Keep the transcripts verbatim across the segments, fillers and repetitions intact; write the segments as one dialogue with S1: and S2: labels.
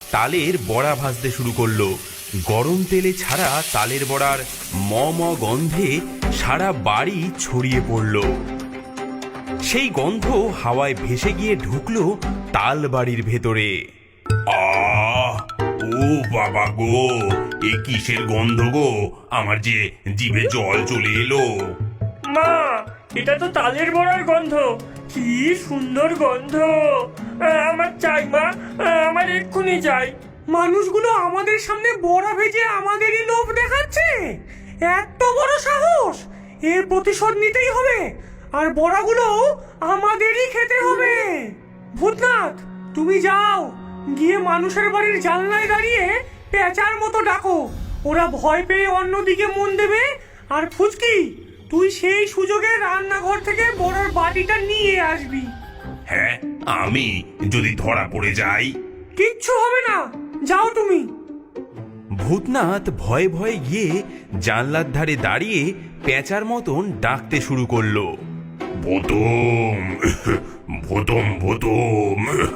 S1: তালের বড়া ভাজতে শুরু করলো। গরম তেলে ছাড়া তালের বড়ার ম ম গন্ধে সারা বাড়ি ছড়িয়ে পড়ল। সেই গন্ধ হাওয়ায় ভেসে গিয়ে ঢুকলো তাল বাড়ির ভেতরে।
S2: আহ ও বাবা গো, এ কিসের গন্ধ গো? আমার যে জিভে জল চলে এলো।
S3: মা, এটা তো তালের বড়ার গন্ধ। কি সুন্দর গন্ধ! আমার চাই মা, আমার এক্ষুনি চাই। মানুষগুলো আমাদের সামনে বড়া ভেজে আমাদেরই লোভ দেখাচ্ছে। এত বড় সাহস! এর প্রতিশোধ নিতেই হবে, আর বড়াগুলো আমাদেরই খেতে হবে। ভূতনাথ, তুমি যাও, গিয়ে মানুষের বাড়ির জানলায় দাঁড়িয়ে পেঁচার মতো ডাকো। ওরা ভয় পেয়ে অন্যদিকে মন দেবে। আর ফুচকি, তুই সেই সুযোগে রান্নাঘর থেকে বড়ার বাটিটা নিয়ে আসবি।
S2: হ্যাঁ, আমি যদি ধরা পড়ে যাই?
S3: কিচ্ছু হবে না, যাও তুমি।
S1: ভূতনাথ ভয়ে ভয়ে গিয়ে জানলার ধারে দাঁড়িয়ে পেঁচার মতন ডাকতে শুরু করলো।
S2: ভূতম ভূতম ভূতম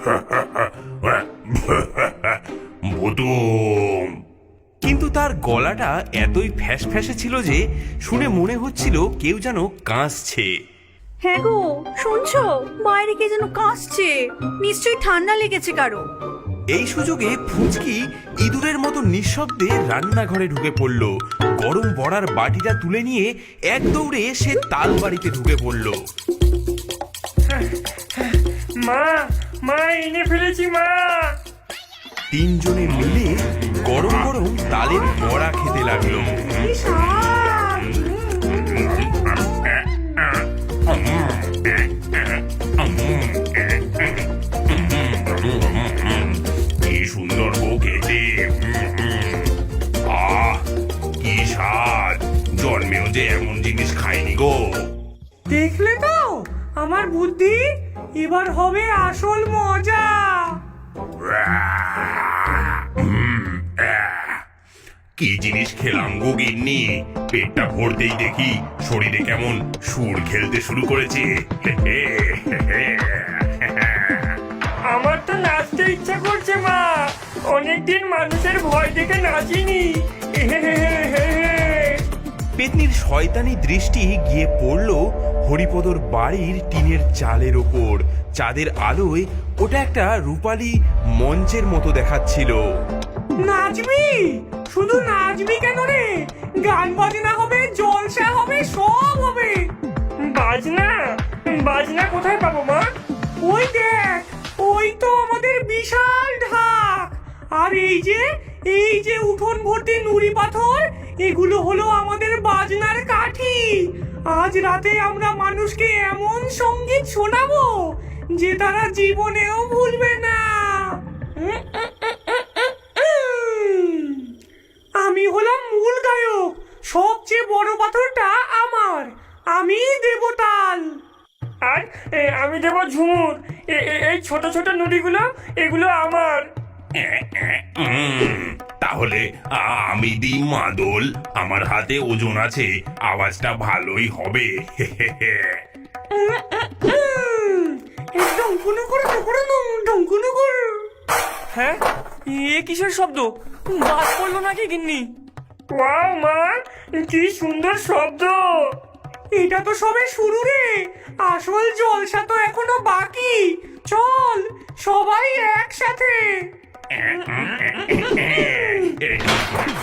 S2: ভূতম।
S1: কিন্তু তার গলাটা এতই ফ্যাস ফ্যাসে ছিল যে শুনে মনে হচ্ছিল কেউ যেন কাঁসছে।
S4: হ্যাঁ গো, শুনছো? বাইরে কে যেন কাশছে, নিশ্চয়ই ঠান্ডা লেগেছে কারো।
S1: এই সুযোগে ফুচকি ইঁদুরের মতো নিঃশব্দে রান্নাঘরে ঢুকে পড়ল। গরম বড়ার বাটিটা তুলে নিয়ে এক দৌড়ে সে তাল বাড়িতে ঢুকে পড়ল।
S3: মা, মা, এনে ফেলেছি মা।
S1: তিনজনে মিলে গরম গরম তালের বড়া খেতে লাগলো।
S2: কি সুন্দর গো খেতে! আহ কি স্বাদ! জন্মেও যে এমন জিনিস খাইনি গো।
S3: দেখলে তো আমার বুদ্ধি? এবার হবে আসল মজা।
S2: কি জিনিস খেলাম গো গিন্নি! পেটটা ভরতেই দেখি শরীরে কেমন সুর খেলতে শুরু করেছে।
S3: আমার তো নাচতে ইচ্ছা করছে মা। অনেকদিন মানুষের ভয় দেখে নাচিনি।
S1: পেতনির শয়তানি দৃষ্টি গিয়ে পড়ল হরিপদর বাড়ির টিনের চালের ওপর। চাঁদের আলোয় ওটা একটা রূপালী মঞ্চের মতো দেখাচ্ছিল।
S3: নাচবি? শুধু নাচবি কেন রে? গান বাজনা হবে, জলসা হবে, সব হবে। বাজনা? বাজনা কোথায় পাবো মা? ওই দেখ, ওই তো আমাদের বিশাল ঢাক। আর এই যে এই যে উঠোন ভর্তি নুড়ি পাথর, এগুলো হলো আমাদের বাজনার কাঠি। আজ রাতে আমরা মানুষকে এমন সঙ্গীত শোনাবো যে তারা জীবনেও ভুলবে না। আমি হলাম মূল গায়ক। সবচেয়ে বড় পাথরটা আমার, আমি দেব তাল। আর আমি দেব ঝুমুর। এই ছোট ছোট নুড়িগুলো, এগুলো আমার।
S2: তাহলে আমি দিই মাদল। আমার হাতে ওজন আছে, আওয়াজটা ভালোই হবে।
S3: হ্যাঁ, এ কিসের শব্দ? বাজ পড়লো নাকি গিন্নি? ওয়াও মা, কি সুন্দর শব্দ! এটা তো সবে শুরু রে, আসল জলসা তো এখনো বাকি। চল সবাই একসাথে।